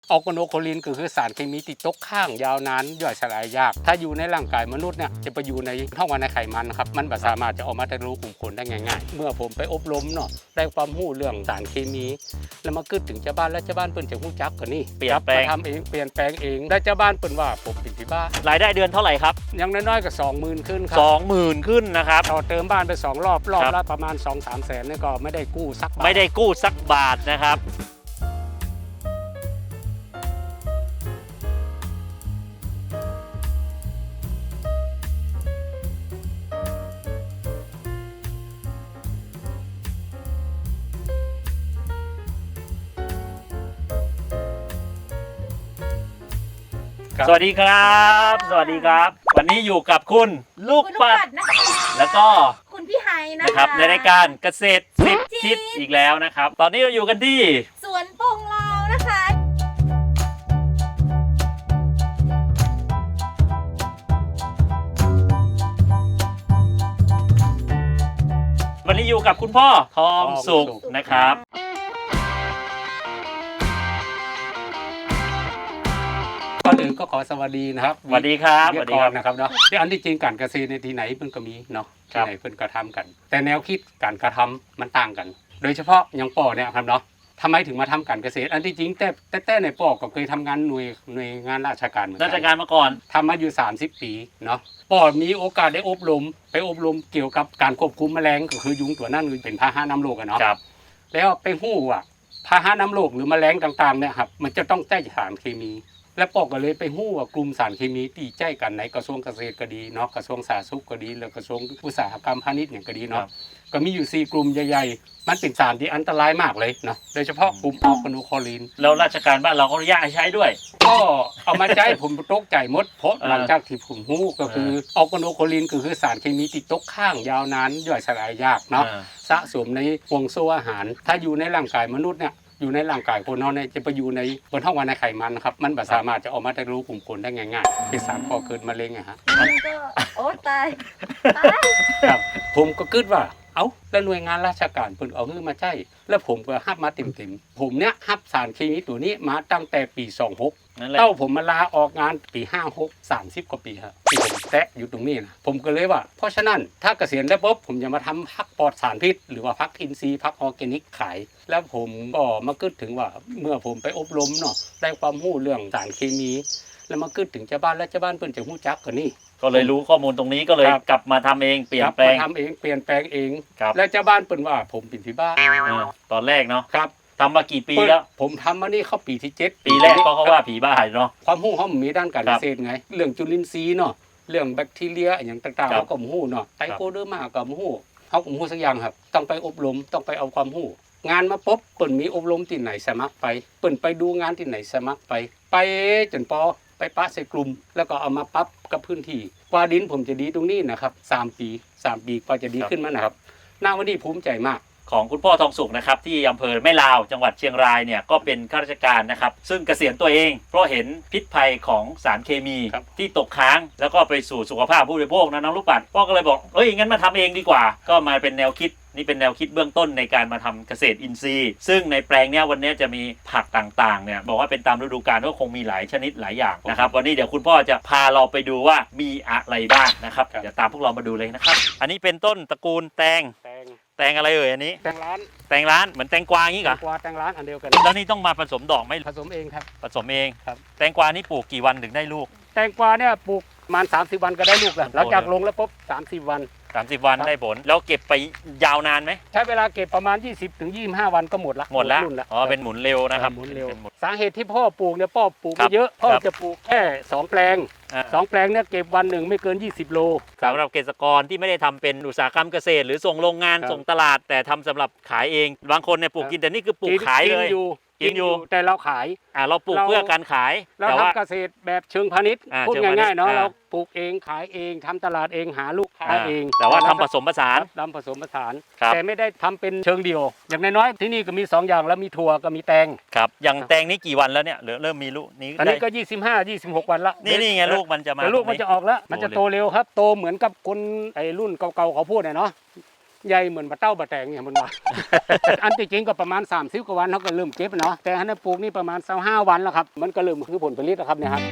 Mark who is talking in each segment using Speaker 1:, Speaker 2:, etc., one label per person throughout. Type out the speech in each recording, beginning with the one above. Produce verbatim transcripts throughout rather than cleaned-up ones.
Speaker 1: ออร์แกโนโคลินก็คือสารเคมีติดตกค้างยาวนานย่อยสลายยากถ้าอยู่ในร่างกายมนุษย์เนี่ยจะไปอยู่ในท้องวันในไขมันครับมันไม่สามารถจะออกมาทะลุกลุ่มขนได้ง่ายๆเมื่อผมไปอบรมเนาะได้ความรู้เรื่องสารเคมีแล้วมาขึ้นถึงเจ้าบ้านแล้วเจ้าบ้านเปิ้นจะรู้จักกันนี่
Speaker 2: เปลี่ยนแปลง
Speaker 1: ทำเองเปลี่ยนแปลงเองได้เจ้าบ้านเปิ้นว่าผมเป็นที่บ้าน
Speaker 2: รายได้เดือนเท่าไหร่ครับ
Speaker 1: ยังน้อยๆก็สองหมื่นขึ้นครั
Speaker 2: สองหมื่นขึ้นนะครับ
Speaker 1: ต่อเติมบ้านไปสองรอบรอบ
Speaker 2: ครับ
Speaker 1: ละประมาณ สองถึงสาม แสนนี่ก็ไม่ได้กู้สักบาท
Speaker 2: ไม่ได้กู้สักบาทนะครับสวัสดีครับ สวัสดีครับ วันนี้อยู่กับคุณลูก
Speaker 3: คุณ
Speaker 2: ปัด
Speaker 3: นะคะ
Speaker 2: แล้วก็
Speaker 3: คุณพี่ไฮนะ
Speaker 2: นะครับ
Speaker 3: คะ
Speaker 2: ในรายการเกษตรสิบ
Speaker 3: ทิ
Speaker 2: ทิ
Speaker 3: ศ
Speaker 2: ศอีกแล้วนะครับ ตอนนี้เราอยู่กันที่
Speaker 3: สวนปงลาวนะคะ
Speaker 2: วันนี้อยู่กับคุณพ่อทองสุขนะครับ
Speaker 1: ก่อนอื่นก็ขอสวัสดีนะครับ
Speaker 2: สวัสดีครับ
Speaker 1: เรี
Speaker 2: ส
Speaker 1: ย
Speaker 2: วั
Speaker 1: ก
Speaker 2: สดี
Speaker 1: ก่
Speaker 2: ค
Speaker 1: อ
Speaker 2: รั
Speaker 1: น
Speaker 2: บ
Speaker 1: นะครับเนาะที่อันที่จริงการเกษตรในที่ไหนเพิ่นก็มีเนาะ
Speaker 2: ครั
Speaker 1: ที่
Speaker 2: บ
Speaker 1: ไหนเพิ่นก็ทำกัน แต่แนวคิดการกระทำมันต่างกัน โดยเฉพาะอย่างป่อเนี่ยครับเนาะทำไมถึงมาทำการเกษตร อันที่จริงแต่แต่แต่ในป่อก็เคยทำงานหน่วยหน่วยงานราชการเหมือนกั
Speaker 2: ราชการมาก่อน
Speaker 1: ทำมาอยู่สามสิบปีเนาะป่อมีโอกาสได้อบรม ไปอบรมเกี่ยวกับการควบคุมแมลงก็คือยุงตัวนั้นคือเป็นพาหะนำโรคอะเนาะ
Speaker 2: ครับ
Speaker 1: แล้วไปหู้ว่าพาหะนำโรคหรือแมลงต่างๆเนี่ยครับมันจะต้องใช้สารเคมี และปอกก็เลยไปหู้ว่ากลุ่มสารเคมีที่ใช้กันในกระทรวงเกษตรก็ดีเนาะกระทรวงสาธารณสุขก็ดีแล้วกระทรวงอุตสาหกรรมพาณิชย์อย่างก็ดี
Speaker 2: ครั
Speaker 1: เนาะ
Speaker 2: บ
Speaker 1: ก็มีอยู่สี่กลุ่มใหญ่ๆมันเป็นสารที่อันตรายมากเลยเนาะโดยเฉพาะกลุ่มออร์แกโนโคลิน
Speaker 2: แล้วราชการบ้านเราก็อนุญาตให้ใช้ด้วย
Speaker 1: ก็เอามาใช้ผมตกใจหมดเพราะ
Speaker 2: เออ
Speaker 1: หลังจากที่ผมหู้ก็คือออร์แกโนโคลินก็คือสารเคมีติดตกค้างยาวนานย่อยสลายยากเนาะ
Speaker 2: อ่า
Speaker 1: สะสมในห่วงโซ่อาหาร ถ้าอยู่ในร่างกายมนุษย์เนี่ยอยู่ในร่างกายคนเราเนี่ยจะไปอยู่ในบนท้องวันในไขมันนะครับมันไม่สามารถจะออกมาทะลุกลุ่มขนได้ง่ายๆเป็นสารก่อเกิดมะเร็งอะฮะ
Speaker 3: มันก็โอ้ตายตาย
Speaker 1: ครับผมก็คิดว่าเอ้าแล้วหน่วยงานราชการเพิ่นเอาเงินมาใช้แล้วผมก็ฮับมาเต็มๆผมเนี่ยฮับสารเคมีตัวนี้มาตั้งแต่ปีสองหก
Speaker 2: นั่นแหละ
Speaker 1: เต้าผมมาลาออกงานปีห้าหก สามสิบกว่าปีครับที่ผมแตะอยู่ตรงนี้นะผมก็เลยว่าเพราะฉะนั้นถ้าเกษียณแล้วปุ๊บผมจะมาทำพักปลอดสารพิษ หรือว่าพักอินทรีย์พักออร์แกนิกขาย แล้วผมก็มาคิดถึงว่าเมื่อผมไปอบรมเนาะได้ความรู้เรื่องสารเคมี แล้วมาคิดถึงเจ้าบ้านแล้วเจ้าบ้านเพิ่นจะรู้จักกันนี่
Speaker 2: ก็เลยรู้ข้อมูลตรงนี้ก็เลย
Speaker 1: ครับ
Speaker 2: กลับมาทำเองเปลี่ยนแปลง
Speaker 1: มาทำเองเปลี่ยนแปลงเอง
Speaker 2: ครับ
Speaker 1: แล้วเจ้าบ้านเปิ้นว่าผมเป็นที่บ้าน
Speaker 2: เออตอนแรกเนาะ
Speaker 1: ครับ
Speaker 2: ทำมากี่ปีแล้ว
Speaker 1: ผมทำมานี่เข้าปีที่เจ็ด
Speaker 2: ปีแรกก็เขาว่าผีบ้าเนาะ
Speaker 1: ความรู้เขามีด้านการ
Speaker 2: ค
Speaker 1: เก
Speaker 2: รับ
Speaker 1: ษตรไง เรื่องจุลินทรีย์เนาะเรื่องแบคทีเรียอย่างต่างๆ
Speaker 2: ครับ
Speaker 1: เขาก็รู้เนาะไตโคเดอร์มาก็รู้เขาก็รู้สักอย่างครับ ต้องไปอบรมต้องไปเอาความรู้งานมาปุ๊บเปิ้นมีอบรมที่ไหนสมัครไปเปิ้นไปดูงานที่ไหนสมัครไป ไปจนพอไปปะใส่กลุ่ม แล้วก็เอามาปรับกับพื้นที่กว่าดินผมจะดีตรงนี้นะครับสามปีสามปีกว่าจะดีขึ้นมานะครับหน้าวันนี้ภูมิใจมาก
Speaker 2: ของคุณพ่อทองสุขนะครับที่อำเภอแม่ลาวจังหวัดเชียงรายเนี่ยก็เป็นข้าราชการนะครับซึ่งเกษียณตัวเองเพราะเห็นพิษภัยของสารเคมี
Speaker 1: ครับ
Speaker 2: ที่ตกค้างแล้วก็ไปสู่สุขภาพผู้บริโภคนะน้องลูกปัดพ่อก็เลยบอกเอ้ยงั้นมาทำเองดีกว่า ก็มาเป็นแนวคิดนี่เป็นแนวคิดเบื้องต้นในการมาทำเกษตรอินทรีย์ ซึ่งในแปลงเนี้ยวันนี้จะมีผักต่างๆเนี่ยบอกว่าเป็นตามฤดูกาลก็คงมีหลายชนิดหลายอย่างนะครับวันนี้เดี๋ยวคุณพ่อจะพาเราไปดูว่ามีอะไรบ้างนะครับ
Speaker 1: ครับ
Speaker 2: เดี๋ยวตามพวกเรามาดูเลยนะครับอันนี้เป็นต้นตระกูลแตง
Speaker 1: แตง
Speaker 2: แตงอะไรเอ่ยอันนี้
Speaker 1: แตงร้าน
Speaker 2: แตงร้านเหมือนแตงกวาอย่างนี้เหรอ
Speaker 1: กวาแตงร้านอันเดียวกัน
Speaker 2: แล้วนี่ต้องมาผสมดอกไหม
Speaker 1: ผสมเองครับ
Speaker 2: ผสมเอง
Speaker 1: ครับ
Speaker 2: แตงกวานี่ปลูกกี่วันถึงได้ลูก
Speaker 1: แตงกวาเนี่ยปลูกประมาณสามสิบวันก็ได้ลูกแล้วหลังจากลงแล้วปุ๊บสามสิบวัน
Speaker 2: สามสิบวัน
Speaker 1: ครับ
Speaker 2: ได้ผล แล้วเก็บไปยาวนานไหม
Speaker 1: ใช้เวลาเก็บประมาณ ยี่สิบถึงยี่สิบห้า วันก็หมดละ
Speaker 2: หมดแล้ว
Speaker 1: รุ่นละ
Speaker 2: อ๋อเป็นหมุนเร็วนะครับ
Speaker 1: หมุนเร็ว
Speaker 2: ป็นหมุน
Speaker 1: สาเหตุที่พ่อปลูกเนี่ยพ่อปลูก
Speaker 2: ครั
Speaker 1: ไม่
Speaker 2: บ
Speaker 1: เยอะพ่อ
Speaker 2: ครับ
Speaker 1: จะปลูกแค่สองแปลง
Speaker 2: อ่า
Speaker 1: สองแปลงเนี่ยเก็บวันหนึ่งไม่เกินยี่สิบโล
Speaker 2: สำหรับเกษตรกรที่ไม่ได้ทำเป็นอุตสาหกรรมเกษตร หรือส่งโรงงาน
Speaker 1: ครับ
Speaker 2: ส่งตลาด แต่ทำสำหรับขายเองบางคนเนี่ยปลูก
Speaker 1: ครับ
Speaker 2: กินแต่นี่คือปลูก
Speaker 1: น
Speaker 2: ขายเลย
Speaker 1: กินอยู่
Speaker 2: กินอยู่
Speaker 1: แต่เราขาย
Speaker 2: อ่าเราปลูก
Speaker 1: เรา
Speaker 2: เพื่อการขาย
Speaker 1: เรา
Speaker 2: แต่ว่า
Speaker 1: ทำเกษตรแบบเชิงพาณิชย์
Speaker 2: อ่า
Speaker 1: พูด
Speaker 2: เชิงพาณิชย์
Speaker 1: ง่ายๆเนาะ
Speaker 2: อ่า
Speaker 1: เราปลูกเองขายเองทำตลาดเองหาลูกค้า
Speaker 2: อ่า
Speaker 1: เอง
Speaker 2: แต่ว่าทำผสมผสาน
Speaker 1: ทำผสมผสาน
Speaker 2: ครับ
Speaker 1: แต่ไม่ได้ทำเป็นเชิงเดียว อย่างน้อยๆที่นี่ก็มีสองอย่างแล้วมีถั่วก็มีแตง
Speaker 2: ครับอย่างแตงนี้กี่วันแล้วเนี่ยเหลือเริ่มมีลูกนี้
Speaker 1: อันนี้ก็
Speaker 2: ได้
Speaker 1: ยี่สิบห้า ยี่สิบหก วันละ
Speaker 2: นี่นี่ไงลูกมันจะมา
Speaker 1: แต่ลูกมันจะออกแล้ว มันจะ
Speaker 2: โต
Speaker 1: โต
Speaker 2: เร็ว
Speaker 1: เร็วครับ โตเหมือนกับคนไอ้รุ่นเก่าๆเขาพูดน่ะเนาะใหญ่เหมือนบะเต้าบะแตงเนี่ยมันว่า อันที่จริงก็ประมาณสามสิบกว่าวันเขาก็เริ่มเก็บเนาะแต่อันนั้นปลูกนี่ประมาณยี่สิบห้าวันแล้วครับมันก็เริ่มคือผลผลิตแล้วครับเนี่ยครับ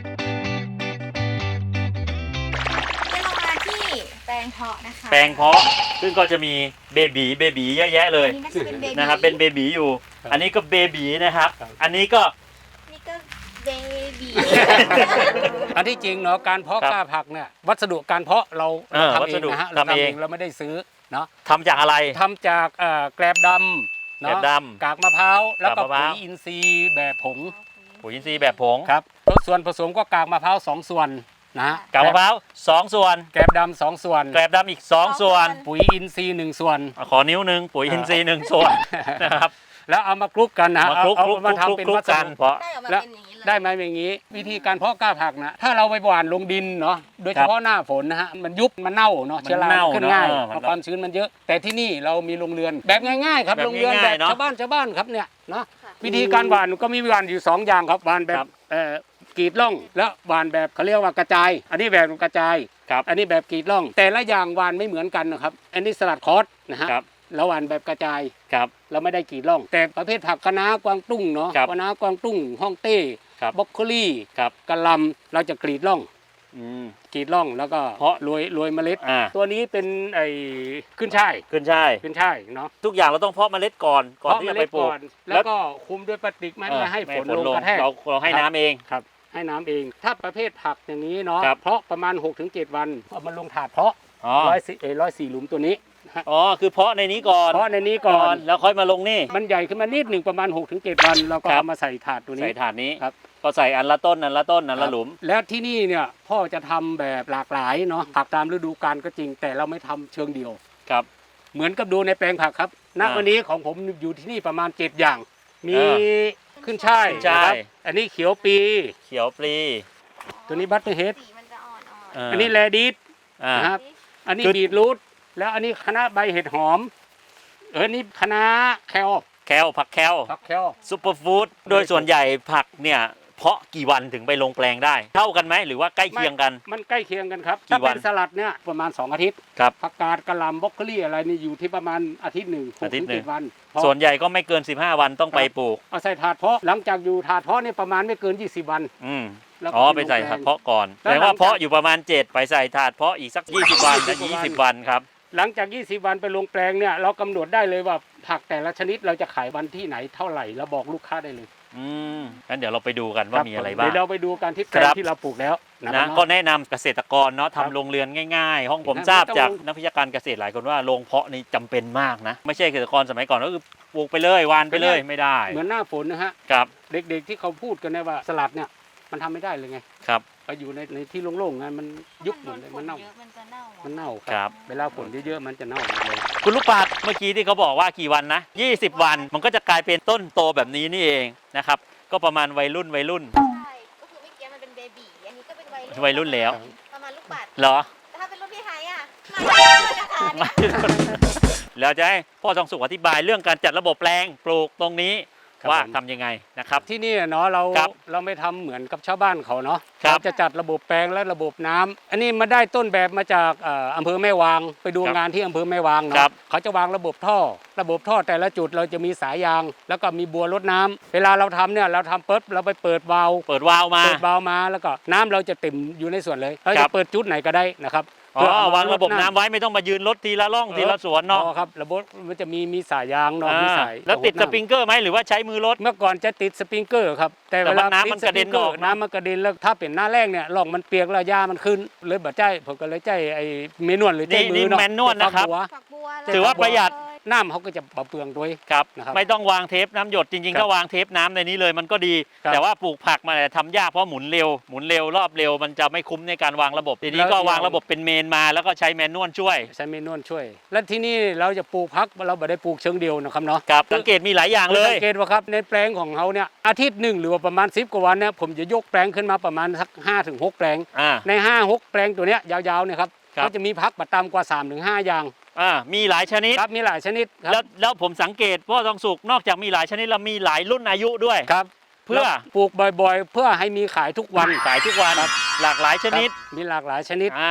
Speaker 3: ให้เรามาที่แปลงเพาะนะคะ
Speaker 2: แปลงเพาะซึ่งก็จะมีเบบีเบบีเยอะแยะเลย
Speaker 3: อันนี้น่าจะเป็นเบบี
Speaker 2: นะครับเป็นเบบีอยู่
Speaker 1: ครับ
Speaker 2: อันนี้ก็เบบีนะครับ
Speaker 1: ครับ
Speaker 2: อันนี้ก็
Speaker 3: นี่ก็เบบี
Speaker 1: อันที่จริงเนาะการเพาะ
Speaker 2: ครับ
Speaker 1: กล้าผักเนี่ยวัสดุการเพาะเรา
Speaker 2: เออ
Speaker 1: ทำ
Speaker 2: วั
Speaker 1: เอ
Speaker 2: ส
Speaker 1: ง
Speaker 2: ดุ
Speaker 1: นะฮะเรา
Speaker 2: ทำ
Speaker 1: ทำ
Speaker 2: เอ
Speaker 1: เอง งเราไม่ได้ซื้อเนาะ
Speaker 2: ทำจากอะไร
Speaker 1: ทำจากเอ่อแกลบดำ
Speaker 2: แกลบ
Speaker 1: เนาะ
Speaker 2: ดำ
Speaker 1: กากมะพร้าวแล้วก็
Speaker 2: กากมะพ
Speaker 1: ปุ๋
Speaker 2: ร้าว
Speaker 1: ยอินทรีย์แบบผง
Speaker 2: ปุ๋ยอินทรีย์แบบผง
Speaker 1: ครับส่วนผสมก็กากมะพร้าวสองส่วนนะฮะ
Speaker 2: กากมะพร้าวสองส่วน
Speaker 1: แกลบดำสองส่วน
Speaker 2: แกลบดำอีกสองส่วน
Speaker 1: ปุ๋ยอินทรีย์หนึ่งส่วน
Speaker 2: ขอนิ้วหนึ่งปุ๋ยอินทรีย์หนึ่งส่วนนะครับ
Speaker 1: แล้วเอามาคลุกกันนะ
Speaker 2: มาคลุก
Speaker 1: เอา
Speaker 2: คลุก
Speaker 1: เอามา
Speaker 2: คลุก
Speaker 1: ทำเป็น
Speaker 2: คลุก
Speaker 1: วัส
Speaker 2: กัน
Speaker 1: ดุ
Speaker 2: เพราะ
Speaker 3: ได้ออกมา
Speaker 1: แล้ว
Speaker 3: เป็นอย่างนี้เลย
Speaker 1: ได้ไหมอย่างนี้ วิธีการเพาะกล้าผักนะถ้าเราไปหว่านลงดินเนาะโดยเฉพาะหน้าฝนนะฮะมันยุบมันเน่าเนาะ
Speaker 2: มัน
Speaker 1: เชื้อรา
Speaker 2: เน่า
Speaker 1: ขึ้นง่าย
Speaker 2: เนอะ
Speaker 1: เพราะความชื้นมันเยอะ แต่ที่นี่เรามีโรงเรือนแบบง่ายๆครับ
Speaker 2: แบบ
Speaker 1: โรงเรือนแบ
Speaker 2: ง่าย
Speaker 1: บ
Speaker 2: ๆเนอะ
Speaker 1: ชาวบ้านชาวบ้านครับเนี่ยเนาะ
Speaker 3: ค่ะ
Speaker 1: วิธีการหว่านก็มีหว่านอยู่สองอย่างครับหว่านแบ
Speaker 2: ครับ บ
Speaker 1: เอ่อกรีดร่องและหว่านแบบเขาเรียกว่ากระจาย อันนี้แบบกระจาย
Speaker 2: ครับ
Speaker 1: อันนี้แบบกรีดร่อง แต่ละอย่างหว่านไม่เหมือนกันนะครับอันนี้สลัดคอสนะฮะ
Speaker 2: ครับ
Speaker 1: แล้วหว่านแบบกระจาย
Speaker 2: ครับ
Speaker 1: เราไม่ได้กรีดร่อง แต่ประเภทผักคะน้ากวางตุ้งเนาะ
Speaker 2: ครับ
Speaker 1: คะน้ากวางตุ้งฮ่องเต้
Speaker 2: ครับ
Speaker 1: บรอกโคลี่
Speaker 2: ครับ
Speaker 1: กะหล่ำเราจะกรีดร่อง
Speaker 2: อืม
Speaker 1: กรีดร่องแล้วก็
Speaker 2: เพาะ
Speaker 1: โรยโรยเมล็ด
Speaker 2: อ่า
Speaker 1: ตัวนี้เป็นไอ้ขึ้นช่าย
Speaker 2: ขึ้นใช่าย
Speaker 1: ขึ้นช่ายเนาะ
Speaker 2: ทุกอย่างเราต้องเพาะเมล็ดก่อนก่อนที่จะไปปลูก
Speaker 1: เพาะเมล็ดแล้วก็คุมด้วยพลาสติกไม่
Speaker 2: เออ
Speaker 1: ไม่ให้ฝนลงกระแทก
Speaker 2: เราเราให้น้ำเอง
Speaker 1: ครับให้น้ำเอง ถ้าประเภทผักอย่างนี้เนาะ
Speaker 2: ครับ
Speaker 1: เพาะประมาณ หกถึงเจ็ด วันเอามาลงถาดเพาะ
Speaker 2: อ๋อ
Speaker 1: ร้อยสี่เอ้ยร้อยสี่หลุมตัวนี้นะฮะ
Speaker 2: อ๋อคือเพาะในนี้ก่อน
Speaker 1: เพาะในนี้ก่อน
Speaker 2: แล้วค่อยมาลงนี่
Speaker 1: มันใหญ่ขึ้นมานิดหนึ่งประมาณ หกถึงเจ็ด วันเราก็
Speaker 2: ครับ
Speaker 1: เอามาใส่ถาดตัวนี้
Speaker 2: ใส่ถาดนี้
Speaker 1: ครับ
Speaker 2: ก็ใส่อันละต้นอันละต้นอันละหลุม
Speaker 1: แล้วที่นี่เนี่ยพ่อจะทำแบบหลากหลายเนาะผักตามฤดูกาลก็จริง แต่เราไม่ทำเชิงเดียว
Speaker 2: ครับ
Speaker 1: เหมือนกับดูในแปลงผักครับณ
Speaker 2: อ่า
Speaker 1: วันนี้ของผมอยู่ที่นี่ประมาณเจ็ดอย่าง มี
Speaker 2: อ่
Speaker 1: ขึ้นช่าย
Speaker 2: ขึ้นช่าย
Speaker 1: นะครับอันนี้เขียวปี
Speaker 2: เขียวปลี
Speaker 1: ตัวนี้บัตเตอร์เฮด
Speaker 3: สีมันจะอ่อนๆ
Speaker 2: เออ
Speaker 1: อันนี้แลดิส
Speaker 2: อ่า
Speaker 1: นะครับ อันนี้
Speaker 2: คือ
Speaker 1: บีทรูทแล้วอันนี้คณะใบเห็ดหอม เออนี่คณะแคล
Speaker 2: แคลผักแคล
Speaker 1: ผักแคล
Speaker 2: ซูเปอร์ฟู้ดโดยส่วนใหญ่ผักเนี่ยเพาะกี่วันถึงไปลงแปลงได้ เท่ากันไหมหรือว่าใกล้เคียงกัน
Speaker 1: มันใกล้เคียงกันครับ
Speaker 2: กี่
Speaker 1: ถ้า
Speaker 2: วั
Speaker 1: เป็น นสลัดเนี่ยประมาณสองอาทิตย์
Speaker 2: ครับ
Speaker 1: ผักกาดกะหล่ำบรอกโคลี่อะไรนี่อยู่ที่ประมาณอาทิตย์หนึ่งหก
Speaker 2: อาทิต
Speaker 1: ถึ
Speaker 2: ย์
Speaker 1: ง
Speaker 2: หนึ่
Speaker 1: เจ็
Speaker 2: ง
Speaker 1: ดวันเพราะ
Speaker 2: ส่วนใหญ่ก็ไม่เกินสิบห้าวันต้องไป
Speaker 1: ครับ
Speaker 2: ปลูก
Speaker 1: เอาใส่ถาดเพาะหลังจากอยู่ถาดเพาะนี่ประมาณไม่เกินยี่สิบวัน
Speaker 2: อืม
Speaker 1: แล้วก็
Speaker 2: อ๋อไปใส่ถาดเพาะก่อน
Speaker 1: แล้ว
Speaker 2: แต่
Speaker 1: หลั
Speaker 2: ว่าง
Speaker 1: จาก
Speaker 2: เพาะอยู่ประมาณเจ็ดไปใส่ถาดเพาะอีกสักยี่สิบวันและยี่สิบวันครับ
Speaker 1: หลังจากยี่สิบวันไปลงแปลงเนี่ยเรากำหนดได้เลยว่าผักแต่ละชนิดเราจะขายวันที่ไหนเท่าไหร่แล้วบอกลูกค้าได้เลย
Speaker 2: อืมงั้นเดี๋ยวเราไปดูกันว่ามีอะไรบ้าง
Speaker 1: เดี๋ยวเราไปดูกันที่แปลง
Speaker 2: ครับ
Speaker 1: ที่เราปลูกแล้วนะ
Speaker 2: นะ
Speaker 1: ค
Speaker 2: ก็
Speaker 1: รับ
Speaker 2: แนะนำเกษตรกรเนาะ
Speaker 1: ครับ
Speaker 2: ทำโรงเรือนง่ายๆ ห้องผม
Speaker 1: ครับ
Speaker 2: ทราบ
Speaker 1: ไม่ต้อง
Speaker 2: จาก
Speaker 1: ลง
Speaker 2: นักวิชาการเกษตรหลายคนว่าโรงเพาะนี่จำเป็นมากนะ ไม่ใช่เกษตรกรสมัยก่อนก็คือปลูกไปเลยวานไปเลยไม่ได้
Speaker 1: เหมือนหน้าฝนนะฮะ
Speaker 2: ครับ
Speaker 1: เด็กๆที่เขาพูดกันเนี่ยว่าสลัดเนี่ยมันทำไม่ได้เลยไง
Speaker 2: ครับ
Speaker 1: ไปอยู่ในในที่โล่งๆไงมันยุบหมดเลยมันเน่า
Speaker 3: เยอะมันจะเน่า
Speaker 1: มันเน่าค
Speaker 2: ครั
Speaker 1: รับ เวลาฝนเยอะๆมันจะเน่าหมดเลย
Speaker 2: คุณลูกปัดเมื่อกี้ที่เขาบอกว่ากี่วันนะยี่สิบวันมันก็จะกลายเป็นต้นโตแบบนี้นี่เองนะครับก็ประมาณวัยรุ่นวัยรุ่น
Speaker 3: ใช่ก็คือเมื่อกี้มันเป็นเบบีอันนี้ก็เป็นวัยรุ่น
Speaker 2: วัยรุ่นแล้ว
Speaker 3: ประมาณลูกปัด
Speaker 2: เหรอ
Speaker 3: แต่ถ้าเป็นรุ่นพี่ไฮอ่ะไม่ราคาเนี่ย
Speaker 2: แล้วจะให้พ่อทองสุขอธิบายเรื่องการจัดระบบแปลงปลูกตรงนี้
Speaker 1: ครับ
Speaker 2: ว่า
Speaker 1: ผม
Speaker 2: ทำยังไงนะครับ
Speaker 1: ที่นี่เนาะเรา
Speaker 2: ครับ
Speaker 1: เราไม่ทำเหมือนกับชาวบ้านเขาเนาะ
Speaker 2: ครับ
Speaker 1: เราจะจัดระบบแปลงและระบบน้ำอันนี้มาได้ต้นแบบมาจากเอ่ออำเภอแม่วางไปดู
Speaker 2: ครับ
Speaker 1: งานที่อำเภอแม่วาง
Speaker 2: ครั
Speaker 1: เนาะ
Speaker 2: บ
Speaker 1: เขาจะวางระบบท่อ ระบบท่อแต่ละจุดเราจะมีสายยาง แล้วก็มีบัวรดน้ำเวลาเราทำเนี่ยเราทำปุ๊บเราไปเปิดวาล์ว
Speaker 2: เปิดวาล์วมา
Speaker 1: เปิดวาล์วมาแล้วก็น้ำเราจะเต็มอยู่ในส่วนเลยเรา
Speaker 2: ครั
Speaker 1: จะ
Speaker 2: บ
Speaker 1: เปิดจุดไหนก็ได้นะครับ
Speaker 2: อ๋
Speaker 1: เพื่
Speaker 2: อ
Speaker 1: เอม
Speaker 2: วางระบบ
Speaker 1: ด
Speaker 2: น้ำไว้ไม่ต้องมายืนรถทีละร่องทีละสวนเนาะ
Speaker 1: อ๋อครับระบบมันจะมีมีสายยางเนาะมี
Speaker 2: อ่า
Speaker 1: สาย
Speaker 2: แล้วติดส
Speaker 1: ระบบน้ำ
Speaker 2: ปริงเกอร์ไหมหรือว่าใช้มือรถ
Speaker 1: เมื่อก่อนจะติดสปริงเกอร์ครับแต่
Speaker 2: แต่
Speaker 1: เว
Speaker 2: ว่า
Speaker 1: ลา
Speaker 2: น้ำมันกระเด็น
Speaker 1: ติสปริง
Speaker 2: ออกเนอะ
Speaker 1: น้ำมันกระเด็นแล้วถ้าเป็นหน้าแรกเนี่ยร่องมันเปียกแล้วหญ้ามันขึ้นเลยบ่ใจผมก็เลยใจไอ้เมนวลหรือใจ
Speaker 2: นี่
Speaker 1: มื
Speaker 2: นี่
Speaker 1: อเนาะ
Speaker 2: แมนนวลนะครับ
Speaker 1: ฝักบัว
Speaker 3: ฝักบัว
Speaker 2: ถือว่าประหยัด
Speaker 1: น้ำเขาก็จะเบาเปลืองด้วย
Speaker 2: ครับ
Speaker 1: นะครับ
Speaker 2: ไม่ต้องวางเทปน้ำหยดจริง
Speaker 1: ครั
Speaker 2: ๆ
Speaker 1: บ
Speaker 2: ก็วางเทปน้ำในนี้เลยมันก็ดี
Speaker 1: ครับ
Speaker 2: แต่ว่าปลูกผักมาเนี่ยทำยากเพราะหมุนเร็วหมุนเร็วรอบเร็วมันจะไม่คุ้มในการวางระบบทีนี้
Speaker 1: แล้ว
Speaker 2: ก็วางระบบเป็นเมนมาแล้วก็ใช้แมนนวลช่วย
Speaker 1: ใช้เมนวลช่วย และที่นี่เราจะปลูกพักเราไม่ได้ปลูกเชิงเดียวนะครับเนาะ
Speaker 2: ครับสังเกตมีหลายอย่างเลย
Speaker 1: สังเกตว่าครับในแปลงของเขาเนี่ยอาทิตย์หนึ่งหรือว่าประมาณสิบกว่าวันเนี่ยผมจะยกแปลงขึ้นมาประมาณสักห้าถึงหกแปลง
Speaker 2: อ่า
Speaker 1: ในห้าหกแปลงตัวเนี้ยยาวๆเนี่ยครับ
Speaker 2: ครับ
Speaker 1: เขาจะมีพักประตามกว่าสามถึงห้าอย่าง
Speaker 2: อ่ามีหลายชนิด
Speaker 1: ครับมีหลายชนิดค
Speaker 2: แล้
Speaker 1: รั
Speaker 2: วแล้วผมสังเกตพ่อทองสุกนอกจากมีหลายชนิดแล้วมีหลายรุ่นอายุด้วย
Speaker 1: ครับ
Speaker 2: เพื่อ
Speaker 1: แล้วปลูกบ่อยๆ เพื่อให้มีขายทุกวัน
Speaker 2: ขายทุกวันหลากหลายชนิด
Speaker 1: ครับมีหลากหลายชนิด
Speaker 2: อ่า
Speaker 1: นะครับ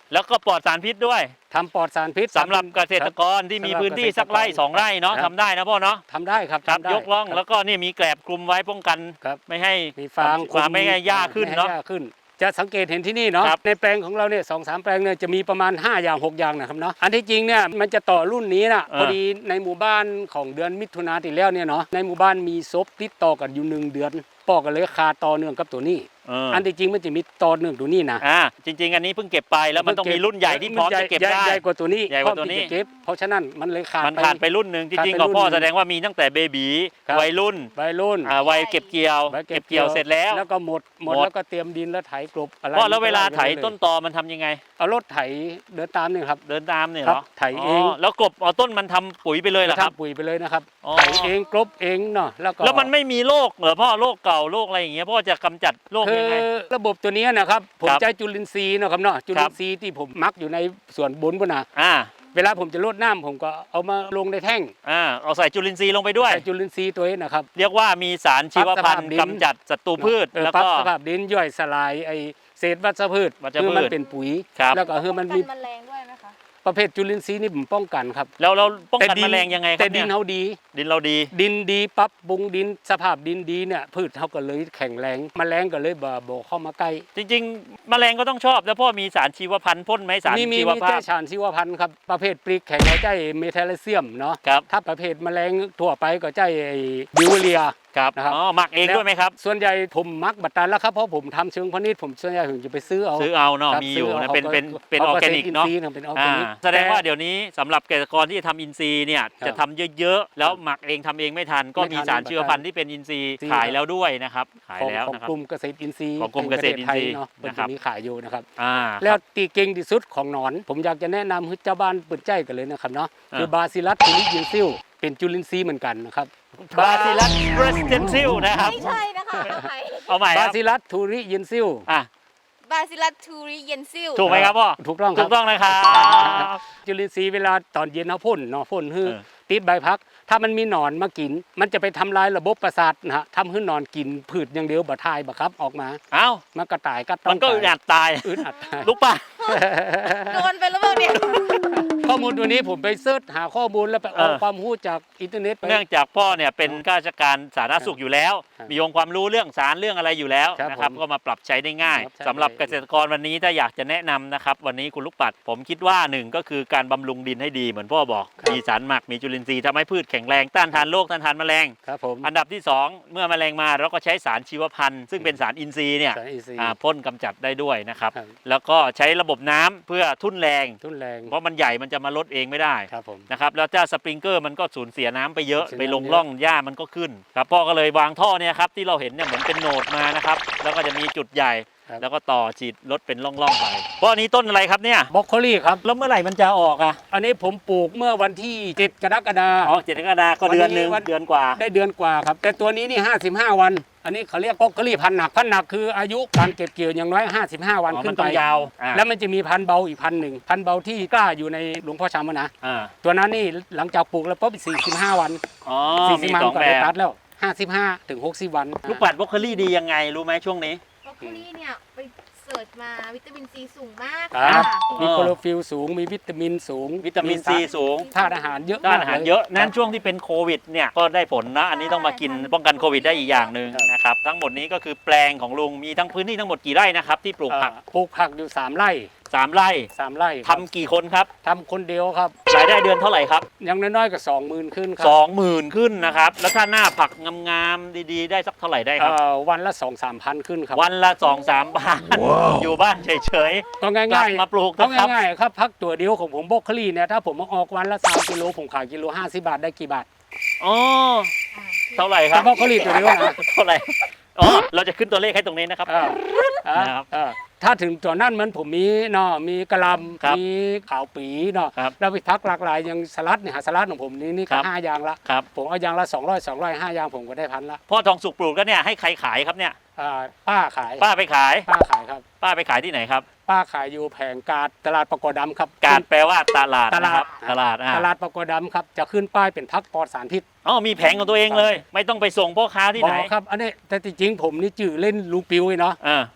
Speaker 2: แล้วก็ปลอดสารพิษด้วย
Speaker 1: ทำปลอดสารพิษ
Speaker 2: สำหรับเกษตรกรที่มีพื้นที่สักไร่สองไร่เนาะ
Speaker 1: ครับ
Speaker 2: ทำได้นะพ่อเนาะ
Speaker 1: ทำได้ครับ
Speaker 2: ครับ
Speaker 1: ทำได้
Speaker 2: ยกล่อง
Speaker 1: ครับ
Speaker 2: แล้วก็นี่มีแกลบคลุมไว้ป้องกัน
Speaker 1: ครับ
Speaker 2: ไม่ให้
Speaker 1: มีฟาง
Speaker 2: ความไม่ให้หญ้าขึ้น
Speaker 1: ไม่ให้
Speaker 2: เนาะ
Speaker 1: หญ้ขึ้น จะสังเกตเห็นที่นี่เนาะ
Speaker 2: ครับ
Speaker 1: ในแปลงของเราเนี่ยสองสามแปลงเนี่ยจะมีประมาณห้าอย่างหกอย่างนะครับเนาะอันที่จริงเนี่ยมันจะต่อรุ่นนี้นะพอดีในหมู่บ้านของเดือนมิถุนาที่แล้วเนี่ยเนาะในหมู่บ้านมีซบติดต่อกันอยู่หนึ่งเดือนปอกกันเลยคาต่อเนื่องกับตัวนี้
Speaker 2: เออ
Speaker 1: อันที่จริงมันจะมีต่อเนื่องตัวนี้นะ
Speaker 2: อ่าจริง ๆ อันนี้เพิ่งเก็บไปแล้วมันต้องมีรุ่นใหญ่ที่พร้อมจะเก็บ
Speaker 1: ใหญ่
Speaker 2: ได้
Speaker 1: ใหญ่กว่าตัวนี้
Speaker 2: ใหญ่กว่าตัวนี้
Speaker 1: พร้อมที่จะเก็บเพราะฉะนั้นมันเลยขาด
Speaker 2: มันขาดไปรุ่นหนึ่งจ
Speaker 1: ขาด
Speaker 2: ริง
Speaker 1: ไป
Speaker 2: ๆของพ่อ
Speaker 1: รุ่นหนึ่ง
Speaker 2: แสดงว่ามีตั้งแต่เบบี
Speaker 1: ครับ
Speaker 2: วัยรุ่น
Speaker 1: ใบรุ่น
Speaker 2: อ่าวัยเก็บเกี่ยว
Speaker 1: ใบ
Speaker 2: เก็บเกี่ยวเสร็จแล้ว
Speaker 1: แล้วก็หมดหมด
Speaker 2: หมด
Speaker 1: แล้วก็เตรียมดินแล้วไถกลบอะไร
Speaker 2: พ่อแล้วเวลาไถ
Speaker 1: ม่ด้
Speaker 2: ต้นตอมันทำยังไง
Speaker 1: เอารถไถเดินตามนี่ครับ
Speaker 2: เดินตามเนี่ย
Speaker 1: ครั
Speaker 2: เหร
Speaker 1: บ
Speaker 2: อ
Speaker 1: ไถเอง
Speaker 2: แล้วกลบเอาต้นมันทำปุ๋ยไปเลยเหรอครับ
Speaker 1: ทำปุ๋ยไปเลยนะครับ
Speaker 2: อ๋อ
Speaker 1: ไถเองกลบเองเนาะแล้วก็
Speaker 2: แล้วมันไม่มีโรคเหรอพ่อโรคเก่าโรคอะไรอย่างเงี้ยพ่อจะกำจัดโรค
Speaker 1: คื
Speaker 2: ยั
Speaker 1: อง
Speaker 2: ไง
Speaker 1: ระบบตัวเนี้ยนะครับผม
Speaker 2: ครับ
Speaker 1: ใช้จุลินทรีย์เนาะครับเนาะจุลินทรีย์ที่ผมมักอยู่ในส่วนบนบนน่ะ
Speaker 2: อ่า
Speaker 1: เวลาผมจะรดน้ำผมก็เอามาลงในแท่ง
Speaker 2: อ่าเอาใส่จุลินทรีย์ลงไปด้วย
Speaker 1: ใส่จุลินทรีย์ตัวนี้นะครับ
Speaker 2: เรียกว่ามีสารชีวพันธุ์
Speaker 1: ปรับสภาพดิน
Speaker 2: กำจัดศัตรูพืช
Speaker 1: เออ
Speaker 2: แล้ว
Speaker 1: ปรับ
Speaker 2: ก็
Speaker 1: สภาพดินย่อยสลายไอเศษวัชพืช
Speaker 2: วัชพืช
Speaker 1: คือมันเป็นปุ๋ย
Speaker 2: ครับ
Speaker 1: แล้วก็คือมัน
Speaker 3: กั
Speaker 1: มี
Speaker 3: นแมลงด้วยไหมคะ
Speaker 1: ประเภทจุลินทรีย์นี่ผมป้องกันครับ
Speaker 2: แล้วเราป้องกัน
Speaker 1: ดิ
Speaker 2: แมลงยังไงครั
Speaker 1: แต่
Speaker 2: บ
Speaker 1: ดิ
Speaker 2: เนี่ย
Speaker 1: นเขาดี
Speaker 2: ดินเราดี
Speaker 1: ดินดีปั๊บปรุงดินสภาพดินดีเนี่ยพืชเขาก็เลยแข็งแรงแมลงก็เลยบ่บ่เข้ามาใกล้
Speaker 2: จริงๆ แมลงก็ต้องชอบแล้วพ่อมีสารชีวพันธุ์พ่นไหมสาร
Speaker 1: มีมี
Speaker 2: ชีว
Speaker 1: มี
Speaker 2: ภา
Speaker 1: แต่
Speaker 2: พ
Speaker 1: สารชีวพันธุ์ครับประเภทปลีกแข็งก็ใจเมทาลเซียมเนาะ
Speaker 2: ครับ
Speaker 1: ถ้าประเภทแมลงทั่วไปก็ใจไอ้บิวเรีย
Speaker 2: ครับ
Speaker 1: นะครับ
Speaker 2: อ๋อหมักเองด้วยไหมครับ
Speaker 1: ส่วนใหญ่ผมมักบัตรตันแล้วครับเพราะผมทำเชิงพาณิชย์ผมส่วนใหญ่ผมจะไปซื้อเอา
Speaker 2: ซื้อเอาเนาะ
Speaker 1: ครับ
Speaker 2: มีอยู่
Speaker 1: ซื้
Speaker 2: นะ
Speaker 1: อา
Speaker 2: เป็น
Speaker 1: ขา
Speaker 2: เป็นเป็นอ
Speaker 1: ขา
Speaker 2: อร์แกนิกเนาะ
Speaker 1: อิทรีย์เป็นออร์แก
Speaker 2: อ่า
Speaker 1: นิก
Speaker 2: แสดงว่าเดี๋ยวนี้สำหรับเกษตรกรที่จะทำอินทรีย์เนี่ย
Speaker 1: ครับ
Speaker 2: จะทำเยอะๆ แล้วหมักเองทำเองไม่ทัน ก็
Speaker 1: ไม่ทัน
Speaker 2: มีสารชีวพันธุ์ที่เป็นอินทรีย์
Speaker 1: จริง
Speaker 2: ขายแล้วด้วยนะครับขาย
Speaker 1: ของ
Speaker 2: แล้ว
Speaker 1: ของ
Speaker 2: นะครับ
Speaker 1: กลุ่มเกษตรอินทรีย์
Speaker 2: ของกลุ่มเกษตรอินทรีย์
Speaker 1: แห่งประเทศไทยเนาะเป็น
Speaker 2: นะครับ
Speaker 1: ตัวนี้ขายอยู่นะครับ
Speaker 2: อ่า
Speaker 1: แล้วตีเก่งที่สุดของหนอน ผมอยากจะแนะนำให้เจ้าบ้านเปิดใจกันเลยนะครับเนาะ
Speaker 2: อ่า
Speaker 1: คือบาซิลัสทูริยินซิลเป็นจุลินทรีย์เหมือนกันนะครับ
Speaker 2: บาซิลัสเรสเทนซิลนะครับ
Speaker 3: ไม่ใช่นะคะเอาใหม่
Speaker 2: เอาใหม่ค
Speaker 1: บา
Speaker 2: รับ
Speaker 1: ซิลัสทูริยินซิล
Speaker 2: อ่ะ
Speaker 3: บาซิลัสทูริเยนซิล
Speaker 2: ถูกไหมครับพ่อ
Speaker 1: ถูกต้องค
Speaker 2: ถู
Speaker 1: รับ
Speaker 2: กต้องนะครับ
Speaker 1: จุลินทรีย์เวลาตอนเย็นเขาพ่นเนาะพ่นฮือ
Speaker 2: เออ
Speaker 1: ติดใบพัก ถ้ามันมีหนอนมากิน มันจะไปทำลายระบบประสาทนะฮะทำให้หนอนกินพืชอย่างเดียวบ่ทายบ่ครับออกมา
Speaker 2: เอ้า
Speaker 1: มันกระต่ายกัดต้
Speaker 2: มันก็อึดอัดตาย
Speaker 1: อึดอัดตาย
Speaker 2: ลูกป่ะ
Speaker 3: โดนไปแล้วเปล่าเนี่ย
Speaker 1: ข้อมูลตัวนี้ผมไปเสิร์ชหาข้อมูลแล้วไปเอา
Speaker 2: เออ
Speaker 1: ความรู้จากอินเทอร์เน็ตไป
Speaker 2: เนื่องจากพ่อเนี่ยเป็นข้าราชการสาธารณสุขอยู่แล้ว
Speaker 1: ครับ
Speaker 2: มีองค์ความรู้เรื่องสารเรื่องอะไรอยู่แล้ว
Speaker 1: ครับ
Speaker 2: นะครับ
Speaker 1: ผม
Speaker 2: ก็มาปรับใช้ได้ง่าย
Speaker 1: ครับใช่
Speaker 2: สำหรับเกษตรกรวันนี้ถ้าอยากจะแนะนำนะครับ วันนี้คุณลูกปัด ผมคิดว่าหนึ่งก็คือการบำรุงดินให้ดีเหมือนพ่อบอก
Speaker 1: ครับ
Speaker 2: มีสารหมักมีจุลินทรีย์ทำให้พืชแข็งแรงต้านทานโรคต้านทานแมลง
Speaker 1: ครับผม
Speaker 2: อันดับที่สองเมื่อแมลงมาเราก็ใช้สารชีวพันธุ์ซึ่งเป็นสารอินทรีย์เนี่ย
Speaker 1: สารอินทรีย์
Speaker 2: อ่าพ่นกำจัดได้ด้วยนะครับ
Speaker 1: ครับ
Speaker 2: แล้วก็ใช้ระบบน้ำเพื่อทุ่นแรง
Speaker 1: ทุนแรง
Speaker 2: เพราะมันใหญ่มันจะมาลดเองไม่ได้
Speaker 1: ครับผม
Speaker 2: นะครับแล้วเจ้าสปริงเกอร์มันก็สูญเสียน้ำไปเยอะ
Speaker 1: สูญเสีย
Speaker 2: ไปลง
Speaker 1: น้ำเยอะ
Speaker 2: ร่องหญ้ามันก็ขึ้นครับพ่อก็เลยวางท่อเนี่ยครับที่เราเห็นเนี่ยเหมือนเป็นโหนดมานะครับแล้วก็จะมีจุดใหญ่
Speaker 1: ครับ
Speaker 2: แล้วก็ต่อฉีดลดเป็นร่องๆไปพ่อนี้ต้นอะไรครับเนี่ย
Speaker 1: บรอกโคลีครับ
Speaker 2: แล้วเมื่อไหร่มันจะออกอ่ะ
Speaker 1: อันนี้ผมปลูกเมื่อวันที่เจ็ดกรกฎาค
Speaker 2: อ๋อ
Speaker 1: ม
Speaker 2: เจ็ดกรกฎาคมก็เดือนหนึง
Speaker 1: วันนี้
Speaker 2: เดือนกว่า
Speaker 1: ได้เดือนกว่าครับ แต่ตัวนี้นี่ห้าสิบห้าวัน อันนี้เขาเรียกบรอกโคลีพันธุ์หนักพันธุ์หนักคืออายุการเก็บเกี่ยวอย่างน้อยห้าสิบห้าวัน
Speaker 2: อ๋อ
Speaker 1: ขึ้
Speaker 2: มัน
Speaker 1: น
Speaker 2: ต้
Speaker 1: ไป
Speaker 2: องยาวอ่า
Speaker 1: แล้วมันจะมีพันธุ์เบาอีกพันธุ์หนึ่งพันธุ์เบาที่กล้าอยู่ในหลวงพ่อชามนะ
Speaker 2: อ่า
Speaker 1: ตัวนั้นนี่หลังจากปลูกแล้วปุ๊บสี่สิบห้าวัน
Speaker 2: อ๋อ
Speaker 1: สี่
Speaker 2: มี
Speaker 1: สิบวัน
Speaker 2: สอง
Speaker 1: ก็
Speaker 2: แบ
Speaker 1: ได้
Speaker 2: บ
Speaker 1: ตัดแล้วห้าสิบห้าถึงหกสิบวัน
Speaker 2: ลูกปัดบรอกโคลี่ดียังไงรู้ไหมช่วงนี้
Speaker 3: บรอกโคลีเนี่ยไปเสิร์ชมาวิตามินซีสูงมาก
Speaker 1: ครับ
Speaker 3: ค่ะ
Speaker 1: มีโคโลฟิลสูงมีวิตามินสูง
Speaker 2: วิตามินซีสูง
Speaker 1: ธาตุอาหารเยอะ
Speaker 2: ด้านอาหาร
Speaker 1: มกล
Speaker 2: เยอะนั้นช่วงที่เป็นโควิดเนี่ยก็ได้ผลนะ อันนี้ต้องมากินป้องกันโควิดได้อีกอย่างหนึ่ง
Speaker 1: ครับ
Speaker 2: นะครับ ทั้งหมดนี้ก็คือแปลงของลุงมีทั้งพื้นที่ทั้งหมดกี่ไร่นะครับที่ปลูกผัก
Speaker 1: เอ่อปลูกผักอยู่สามไร่
Speaker 2: สามไร่
Speaker 1: สามไร่
Speaker 2: ทำกี่คนครับ
Speaker 1: ทำคนเดียวครับ
Speaker 2: รายได้เดือนเท่าไหร่ครับ
Speaker 1: อย่างน้อยๆก็สองหมื่นขึ้นครั
Speaker 2: สองหมื่นขึ้นนะครับ แล้วถ้าหน้าผักงามๆดีๆ ได้สักเท่าไหร่ได้ครับ
Speaker 1: เอ่อวันละสองสามพันขึ้นครับ
Speaker 2: วันละสองสามพันอยู่บ้านเฉย
Speaker 1: ก็
Speaker 2: ๆกลั
Speaker 1: ง่า
Speaker 2: บ
Speaker 1: ย
Speaker 2: มาปลูก
Speaker 1: ๆก็
Speaker 2: นะครับ
Speaker 1: ง่ายๆครับพักตัวเดียวของผมบรอกโคลีเนี่ยถ้าผมมาออกวันละสามกิโลผมขายกิโลห้าสิบบาทได้กี่บาท
Speaker 2: อ๋อ
Speaker 3: อ่า
Speaker 2: เท่าไหร่ค
Speaker 1: แต่
Speaker 2: รับบ
Speaker 1: รอกโคลีตัวเดียวนะ
Speaker 2: เท่าไหร่อ๋อเราจะขึ้นตัวเลขให้ตรงนี้นะครับ
Speaker 1: อ่าอ่า
Speaker 2: นะครับ
Speaker 1: อ่าถ้าถึงตัวนั้นมันผมมีเนาะมีกระหล
Speaker 2: ครับ
Speaker 1: ำมีขาวปีเนาะ
Speaker 2: ครับ
Speaker 1: แล้วไปพักหลากหลายอย่างสลัดเนี่ยหาสลัดของผมนี่นี่
Speaker 2: ครั
Speaker 1: ก็
Speaker 2: บ
Speaker 1: ห้าอย่างละ
Speaker 2: ครับ
Speaker 1: ผมเอาอย่างละสองร้อยสองร้อยห้าอย่างผมก็ได้พันละ
Speaker 2: พ่อทองสุกปลูกแล้วเนี่ยให้ใครขายครับเนี่ย
Speaker 1: อ่าป้าขาย
Speaker 2: ป้าไปขาย
Speaker 1: ป้าขายครับ
Speaker 2: ป้าไปขายที่ไหนครับ
Speaker 1: ป้าขายอยู่แผงกาดตลาดปะกอดำครับ
Speaker 2: การแปลว่าตลาด
Speaker 1: ต
Speaker 2: นะ
Speaker 1: ลา
Speaker 2: ค
Speaker 1: ด
Speaker 2: รับตลาดอ่า
Speaker 1: ตลาดปะกอดำครับจะขึ้นป้ายเป็นพักปลอดสารพิษ
Speaker 2: อ๋อมีแผงของตัวเองเลย ไม่ต้องไปส่งพ่อค้าที่ไหน
Speaker 1: บอกครับอันนี้แต่จริงๆผมนี่จื่อเล่นลูกปิวไอ้เนาะ
Speaker 2: อ่า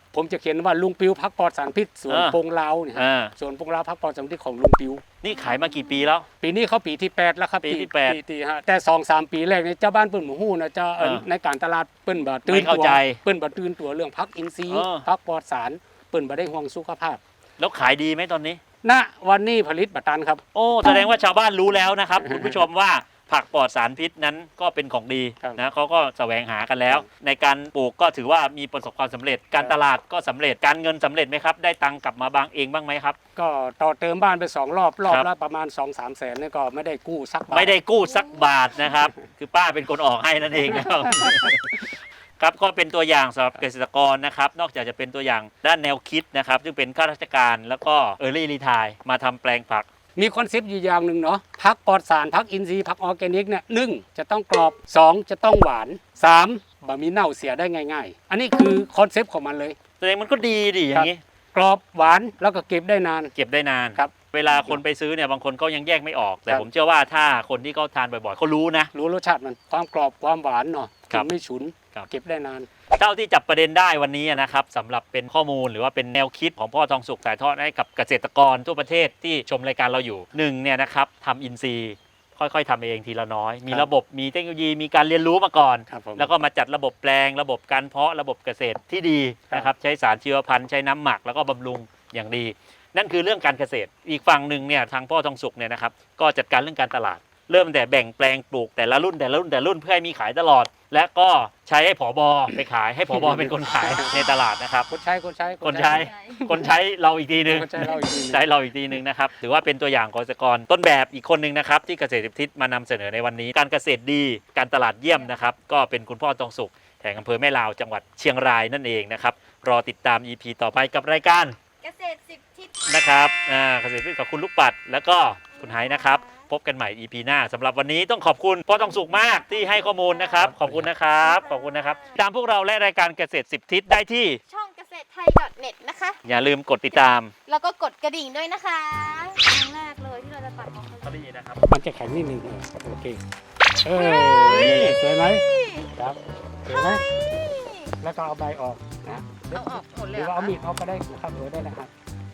Speaker 1: ผมจะเขียนว่าลุงปิวพักปลอดสารพิษสวน
Speaker 2: อ่า
Speaker 1: ปงลาวเนี่ยฮะ
Speaker 2: อ่า
Speaker 1: สวนปงลาวพักปลอดสารพิษของลุงปิว
Speaker 2: นี่ขายมากี่ปีแล้ว
Speaker 1: ปีนี้เขาปีที่แปดแล้วครับ
Speaker 2: ปีที่แปด
Speaker 1: ปีที่ฮะแต่สองสามปีแรกเนี่ยเจ้าบ้านเปิ้นหมู่ฮู้นะเจ้าเอิ่น
Speaker 2: อ่า
Speaker 1: ในการตลาดเปิ้นบ่ตื่
Speaker 2: ไม่
Speaker 1: น
Speaker 2: เข้า
Speaker 1: ตัว
Speaker 2: ใจ
Speaker 1: เปิ้นบ่ตื่นตัวเรื่องพักอินทรีย์
Speaker 2: เออ
Speaker 1: พักปลอดสารเปิ้นบ่ได้ห่วงสุขภาพ
Speaker 2: แล้วขายดีไหมตอนนี้
Speaker 1: ณวันนี้ผลิตบัตตันครับ
Speaker 2: โอ้แสดงว่าชาวบ้านรู้แล้วนะครับ คุณผู้ชมว่าผักปลอดสารพิษนั้นก็เป็นของดี
Speaker 1: ครับ
Speaker 2: นะเขาก็แสวงหากันแล้ว ในการปลูกก็ถือว่ามีประสบความสำเร็จ การตลาดก็สำเร็จการเงินสำเร็จไหมครับ ได้ตังค์กลับมาบางเองบ้างไหมครับ
Speaker 1: ก็ต่อเติมบ้านไปสองรอบรอบ
Speaker 2: ครับ
Speaker 1: ละประมาณ สองสามแสนเนี่ยก็ไม่ได้กู้สักบาท
Speaker 2: ไม่ได้กู้สักบาทนะครับ คือป้าเป็นคนออกให้นั่นเองนะครับ ครับก็เป็นตัวอย่างสำหรับเกษตรกรนะครับ นอกจากจะเป็นตัวอย่างด้านแนวคิดนะครับ ซึ่งเป็นข้าราชการแล้วก็เออร์ลี่รีไทร์มาทำแปลงผัก
Speaker 1: มีคอนเซปต์อยู่อย่างหนึ่งเนาะพักปลอดสารพักอินทรีย์พักออร์แกนิกเนี่ยหนึ่งจะต้องกรอบสองจะต้องหวานสามบะมีเน่าเสียได้ง่าย ๆ อันนี้คือคอนเซปต์ของมันเลย
Speaker 2: แสดงมันก็ดีดิอย่างนี้
Speaker 1: กรอบหวานแล้วก็เก็บได้นาน
Speaker 2: เก็บได้นาน
Speaker 1: ครับ
Speaker 2: เวลาคนไปซื้อเนี่ยบางคนก็ยังแยกไม่ออก แต่
Speaker 1: ครับ
Speaker 2: ผมเชื่อว่าถ้าคนที่เขาทานบ่อยๆเขารู้นะ
Speaker 1: รู้รสชาติมันความกรอบความหวานเนาะ
Speaker 2: ครับ
Speaker 1: ไม่ฉุน
Speaker 2: ครับ
Speaker 1: เก็บได้นาน
Speaker 2: เท่าที่จับประเด็นได้วันนี้นะครับสำหรับเป็นข้อมูลหรือว่าเป็นแนวคิดของพ่อทองสุขถ่ายทอดให้กับเกษตรกรทั่วประเทศที่ชมรายการเราอยู่หนึ่งเนี่ยนะครับทำอินทรีย์ค่อยๆทำเองทีละน้อย มี
Speaker 1: ครับ
Speaker 2: ระบบมีเทคโนโลยีมีการเรียนรู้มาก่อน
Speaker 1: ครับผม
Speaker 2: แล้วก็มาจัดระบบแปลง ระบบการเพาะระบบเกษตรที่ดีนะครับใช้สารชีวพันธุ์ใช้น้ำหมักแล้วก็บำรุงอย่างดี นั่นคือเรื่องการเกษตรอีกฝั่งหนึ่งเนี่ยทางพ่อทองสุขเนี่ยนะครับก็จัดการเรื่องการตลาด เริ่มแต่แบ่งแปลงปลูกแต่ละรุ่นแต่ละรุ่นแต่ละรุ่นเพื่อให้มีขายตลอด และก็ใช้ให้ผบไปขายให้ผบเป็นคนขายในตลาดนะครับ
Speaker 1: คนใช้คนใช้
Speaker 2: คนใช้ คนใช้เราอีกทีหนึ่ง
Speaker 1: คนใช้เราอีกทีหนึ่ง
Speaker 2: ใช้เราอีกทีหนึ่งนะครับถือว่าเป็นตัวอย่างของเกษตรกรต้นแบบอีกคนหนึ่งนะครับที่เกษตรทิศมานำเสนอในวันนี้ การเกษตรดีการตลาดเยี่ยมนะครับก็เป็นคุณพ่อทองสุขแห่งอำเภอแม่ลาวจังหวัดเชียงรายนั่นเองนะครับรอติดตาม อี พี ต่อไปกับรายการ
Speaker 3: เกษตรสิบทิศ
Speaker 2: นะครับอ่าเกษตรทิศกับคุณลูกปัด แล้วก็คุณไฮนะครับพบกันใหม่ อี พี หน้าสำหรับวันนี้ต้องขอบคุณพ่อทองสุขมากที่ให้ข้อมูลนะครับขอบคุณนะครับขอบคุณนะครับตามพวกเราและรายการเกษตรสิบทิศได้ที่
Speaker 3: ช่องเกษตรไทย .net นะคะ
Speaker 2: อย่าลืมกดติดตาม
Speaker 3: แล้วก็กดกระดิ่งด้วยนะคะครั้งแรกเลยที่เราจะตัดของเขา
Speaker 2: เขาดีนะครับ
Speaker 1: มันจะแข็งนิดนึงเออโอเคเออสวยไหมครับสวยไหมแล้วก็เอาใบออกนะ
Speaker 3: เอาออกหมด
Speaker 1: ห
Speaker 3: เลย
Speaker 1: รือ
Speaker 3: เหร
Speaker 1: ว่า
Speaker 3: อ
Speaker 1: เอา
Speaker 3: คะ
Speaker 1: มีดเอาก็ได้ครับเออได้นะครับ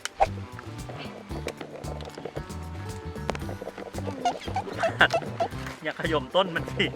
Speaker 2: อย่าขย่มต้นมันสิ